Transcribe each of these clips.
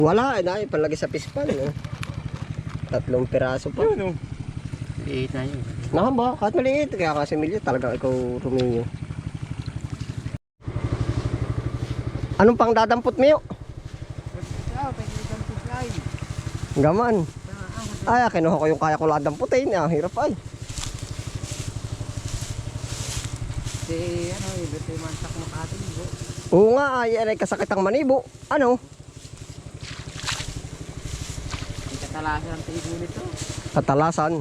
Wala, ay palagi sa pispan. Eh. 3 piraso pa. Yun, oh. Liit na yun. Nakamba, kahit maliit. Kaya kasi Milyo, talaga ikaw Romeo. Anong pang dadampot mo? Gaman. Ay, kinuha ko yung kaya ko lang damputin. Ah, hirap ay. Ito yung mansak mo katin. Oo nga, ay kasakit ang manibo. Ano? Katalasan ang tigo nito. Katalasan.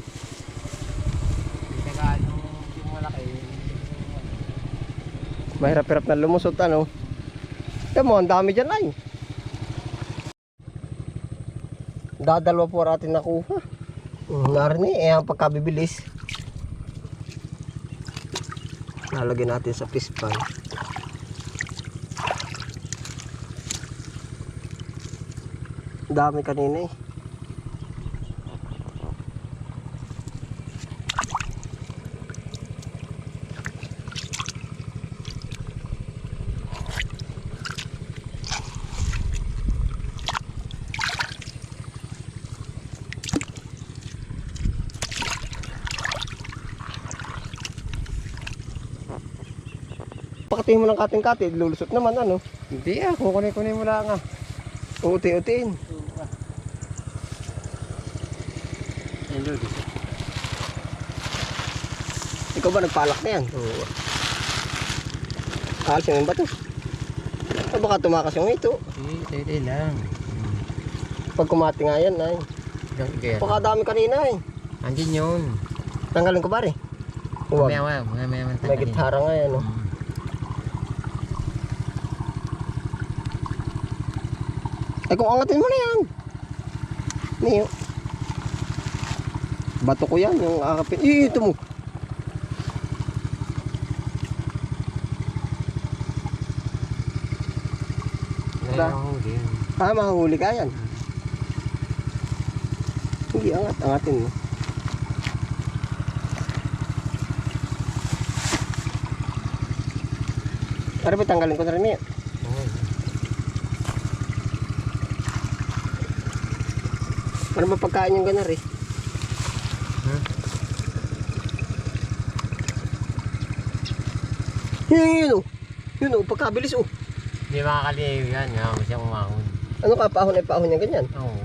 Hindi ka yung malaki. Mahirap-hirap na lumusot ano. Ito mo, ang dami dyan ay. Dadalwa po natin nakuha. Narinig, ang pagkabibilis. Lalagyan natin sa pispan. Dami kanina eh. Pakatihin mo ng kating-kating, lulusot naman ano. Hindi kukunin mo lang ah. Uti-utiin. Yan doon. Ikaw ba nagpalak na yan? Oo. Alisin mo ba ito? O baka tumakas yung ito. Hindi lang. Pag kumati nga yan ay. Baka dami kanina eh. Andin yun. Tanggalin ko ba rin? Huwag. May May gitara nga yan oh. Ay kung angatin mo na yan. Niyo. Bato ko yan yung akapin. Ito mo. Mahuli ka yan. Hindi angatin mo. Para ba tanggalin ko na rin yan? Para ba pagkain yung ganar eh? Yun oh. Yun oh, pagkabilis oh. Hindi makakaliw yan. Nga siyang umahon. Ano ka, paahon ay paahon niya ganyan? Oo.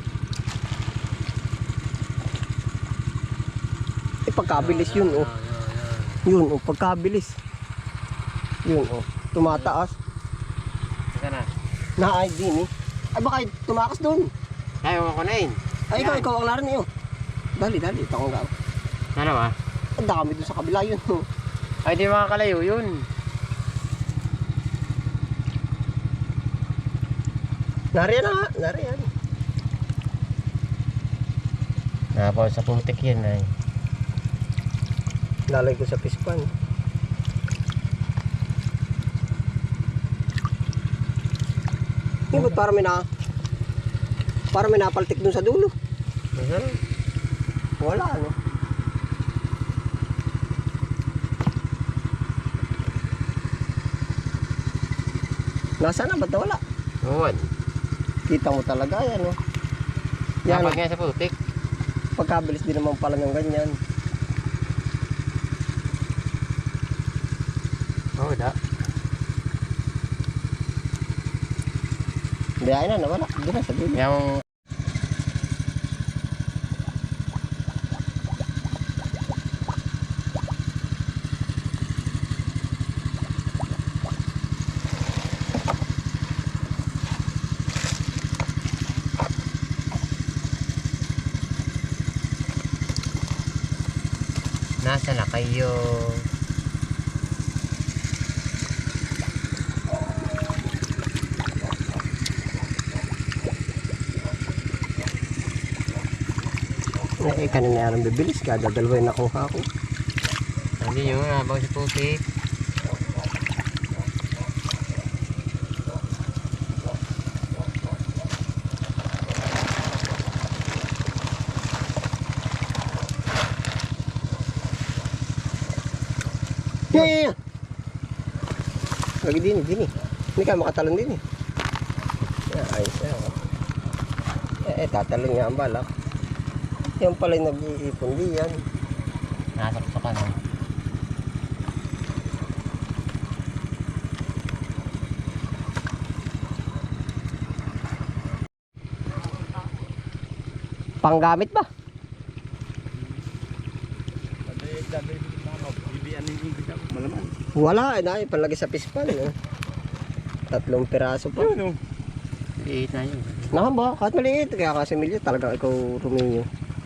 Eh pagkabilis yun oh. Yun oh, pagkabilis. Yun oh, tumataas. Saka na. Na-ay din eh. Ay baka tumakas doon. Ayaw mo kunain. Ay ikaw ang laran niyo. Dali, ito akong gawin. Ano ba? Ang dami doon sa kabila yun oh. Ay di makakalayo yun. Nariyan na nga, nariyan. Napaw sa putik yun ay. Lalay ko sa pispan. Ba't parang may napaltik dun sa dulo. Wala ano. Nasaan na? Ba't wala? Oo. Kita mo talaga yan oh. Yan napag nga sa putik. Pagkabilis din naman pala ng ganyan. Oo da. Biyahe na, nawala. Doon na sa dulo. Yung nasa na kayo? Eh, kanina yarang bibilis ka. Dadalawin nakuha ko. Hindi nyo, nabaw si putik. Yeah. Lagi din. Hindi ka makatalon din eh. Ayos yan. tatalon nga ang balak. Yan pala yung nag-iipon di yan. Nasaksak ka na. Panggamit ba? Wala, na palagi sa pispan. Eh. 3 piraso pa. Liit na yun. Nakamba, kahit maliit. Kaya kasi milyo, talaga ikaw ruminyo.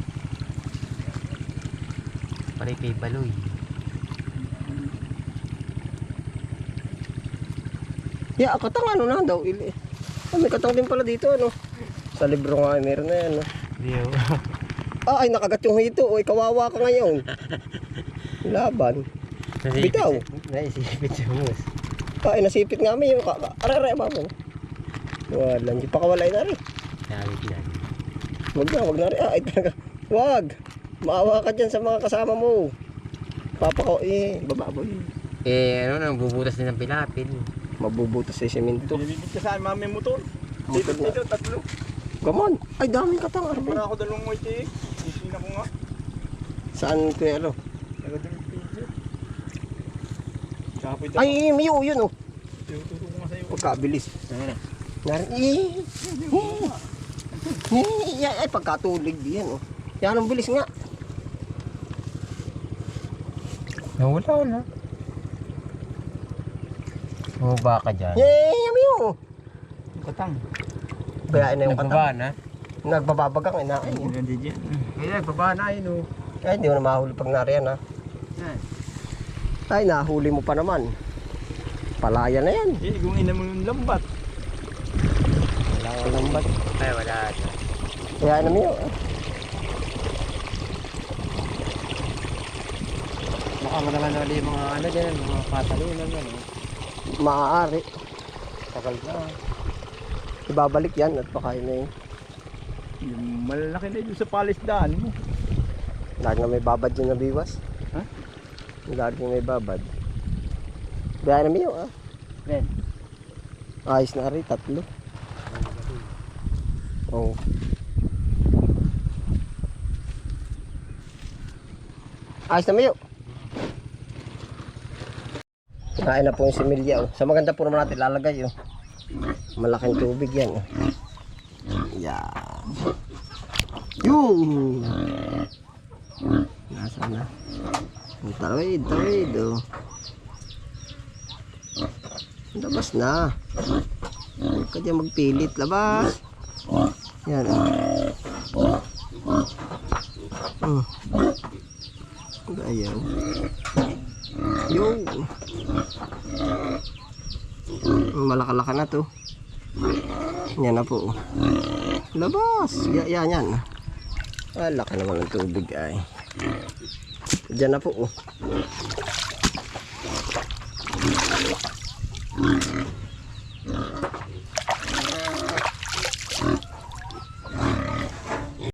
Pare kay Baloy. Ya, katang ano na daw. May katang din pala dito, ano. Sa libro nga, meron na yan. No? Diyo. Ay, nakagat yung hito. Uy, kawawa ka ngayon. Laban. Bitaw. Naisipit si Mus. Ay, nasipit nga may yung aray, mamo. Wala, hindi pa kawalay na rin. Nakawit yan. Wag na rin. Ay, talaga. Wag. Maawa ka dyan sa mga kasama mo. Papa ko, bababoy. Ano nang bubutas din ng pilapil. Mabubutas sa semento. Binibig ka saan mami motor? Motor na. Dito, 3. Come on. Ay, daming katang arbe. Para ako 2 mo iti. Isina ko nga. Saan kuya ano? Nagadulong pizza. Kapoy daw. Ay, miyo, yun oh. Tuturo ko nga sa'yo. Pagkabilis. Ay, pagkatulig diyan oh. Yan ang bilis nga. Nawala na. Bumaba ka dyan. Miyo. Katang. Bayain na yung Nagbaba katang. na. Nagbababagang ina. Ay, Hindi dyan. Kaya nagbaba na yun oh. ay, hindi mo na mahuli pag nariyan ha. Ay, nahuli mo pa naman. Palaya na yan. Kung ina mo yung lambat. Wala kang lambat. Ay wala na. Kaya na miyo. Baka mo naman ulit yung mga ano dyan. Mga patalunan ano. Maaari. Tagal na. Ibabalik yan at pakain na yun. Yung malalaki na yun sa palisdaan mo. Lagi nga may babad yung nabiwas. Ha? Lagi nga may babad. Kaya na miyo ah. Ben. Ayos na rin, 3. Oh. Ayos na miyo. Kinain na po yung similya. Oh. Sa maganda po naman natin lalagay. Oh. Malaking tubig yan. Oh. Yan. Yung. Nasa na. Tawid. Oh. Labas na. Huwag ka dyan magpilit. Labas. Yan. Ayaw. Yung. Malakalaka na to. Yan na po. Labas. Yan. Laki naman ng tubig ay. Diyan na po.